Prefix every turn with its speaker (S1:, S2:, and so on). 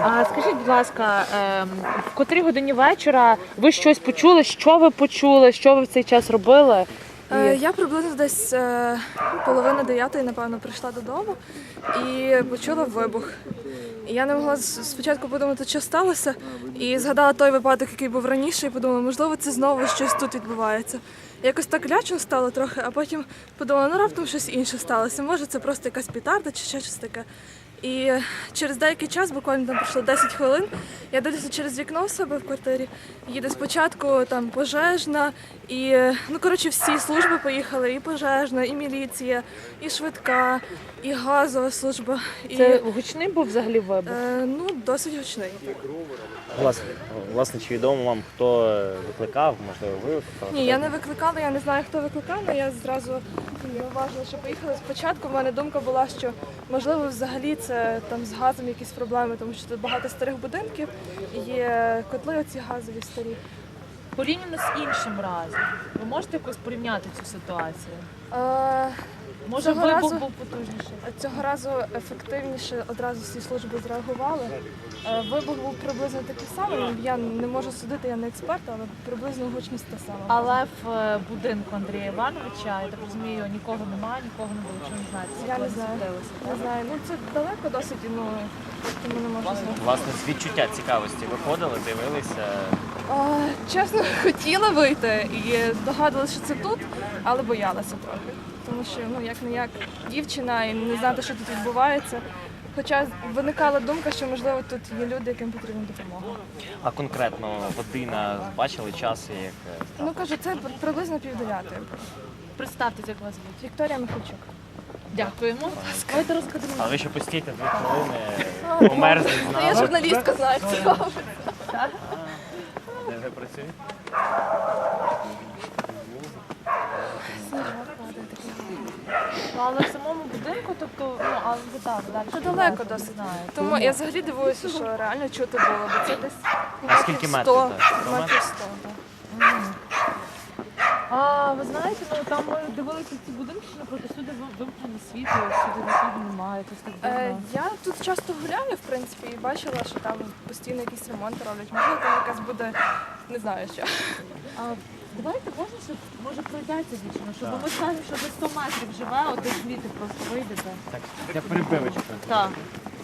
S1: А скажіть, будь ласка, в котрій годині вечора ви щось почули? Що ви почули? Що ви в цей час робили?
S2: Я приблизно десь 8:30, напевно, прийшла додому і почула вибух. І я не могла спочатку подумати, що сталося, і згадала той випадок, який був раніше, і подумала, можливо, це знову щось тут відбувається. Якось так лячно стало трохи, а потім подумала, ну раптом щось інше сталося. Може, це просто якась петарда чи ще щось таке. І через деякий час, буквально там пройшло 10 хвилин, я дивлюся через вікно в себе в квартирі. Їде спочатку там пожежна, і всі служби поїхали, і пожежна, і міліція, і швидка, і газова служба.
S1: Це гучний був взагалі вибух?
S2: Досить гучний.
S3: Власне, чи відомо вам, хто викликав, можливо, ви викликали?
S2: Ні, я не викликала, я не знаю, хто викликав, але я зразу зауважила, що поїхали спочатку. У мене думка була, що можливо взагалі це там з газом якісь проблеми, тому що тут багато старих будинків, є котли оці газові старі.
S1: Порівняно з іншим разом. Ви можете якось порівняти цю ситуацію? Може, вибух був потужніший?
S2: Цього разу ефективніше одразу всі служби зреагували. Вибух був приблизно такий самий. Я не можу судити, я не експерт, але приблизно гучність та сама.
S1: Але в будинку Андрія Івановича, я так розумію, нікого немає, нікого не було. Чи не знаєте?
S2: Я не знаю. Не знаю. Це далеко досить, тому не можу знати.
S3: Власне, з відчуття цікавості виходили, дивилися?
S2: Чесно, хотіла вийти і догадувалася, що це тут, але боялася трохи. Тому що, як-не-як, дівчина і не знати, що тут відбувається. Хоча виникала думка, що, можливо, тут є люди, яким потрібна допомога.
S3: А конкретно година, бачили час, як...
S2: Кажу, це приблизно 8:30.
S1: Представтеся, як вас звуть.
S2: Вікторія Михальчук.
S1: Дякуємо. Давайте розкажемо.
S3: А ви ще постійте 2 хвилини, померзли з
S2: Я
S3: нами.
S2: журналістка, знаю, це робить.
S3: Де ви працюєте?
S1: Але в самому будинку, тобто, але ви так, далі.
S2: Це далеко досить. Тому я взагалі дивуюся, що реально чути було, бо це десь
S3: А скільки метрів?
S2: 100,
S3: Так? 100
S2: метрів 100. Так.
S1: А ви знаєте, там ми дивилися ці будинки, що напроти сюди вимкнені світло, сюди нікого немає, якось так дивно.
S2: Я тут часто гуляю, в принципі, і бачила, що там постійно якісь ремонти роблять. Можливо, там якась буде, не знаю що.
S1: А давайте можна, щоб може пройдеться дівчина, щоб ми скажемо, що за 100 метрів живе, от звідти просто вийдете.
S3: Так, я перебивочку.
S1: Так.